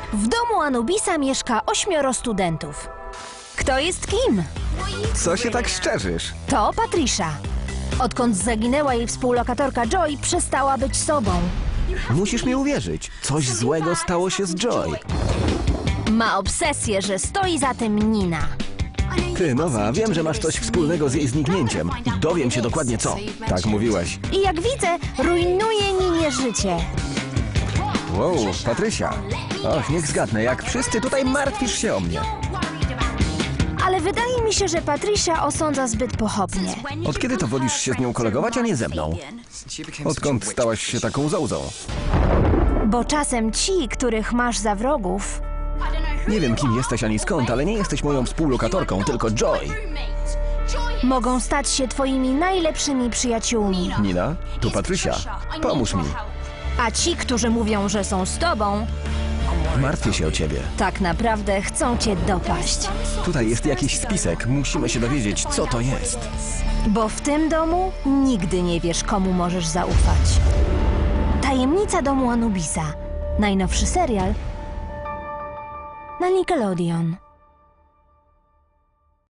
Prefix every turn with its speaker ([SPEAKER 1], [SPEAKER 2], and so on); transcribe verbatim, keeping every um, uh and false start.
[SPEAKER 1] W domu Anubisa mieszka ośmioro studentów. Kto jest kim?
[SPEAKER 2] Co się tak szczerzysz?
[SPEAKER 1] To Patricia. Odkąd zaginęła jej współlokatorka Joy, przestała być sobą.
[SPEAKER 2] Musisz mi uwierzyć. Coś złego stało się z Joy.
[SPEAKER 1] Ma obsesję, że stoi za tym Nina.
[SPEAKER 2] Ty, Nowa, wiem, że masz coś wspólnego z jej zniknięciem. I dowiem się dokładnie co. Tak mówiłaś.
[SPEAKER 1] I jak widzę, rujnuje Ninie życie.
[SPEAKER 2] Wow, Patrysia. Och, niech zgadnę, jak wszyscy tutaj martwisz się o mnie.
[SPEAKER 1] Ale wydaje mi się, że Patricia osądza zbyt pochopnie.
[SPEAKER 2] Od kiedy to wolisz się z nią kolegować, a nie ze mną? Odkąd stałaś się taką zołzą?
[SPEAKER 1] Bo czasem ci, których masz za wrogów,
[SPEAKER 2] Nie wiem, kim jesteś ani skąd, ale nie jesteś moją współlokatorką, tylko Joy.
[SPEAKER 1] mogą stać się twoimi najlepszymi przyjaciółmi.
[SPEAKER 2] Nina, tu Patrysia. Pomóż mi.
[SPEAKER 1] A ci, którzy mówią, że są z tobą,
[SPEAKER 2] Martwię się o ciebie.
[SPEAKER 1] tak naprawdę chcą cię dopaść.
[SPEAKER 2] Tutaj jest jakiś spisek. Musimy się dowiedzieć, co to jest.
[SPEAKER 1] Bo w tym domu nigdy nie wiesz, komu możesz zaufać. Tajemnica domu Anubisa. Najnowszy serial na Nickelodeon.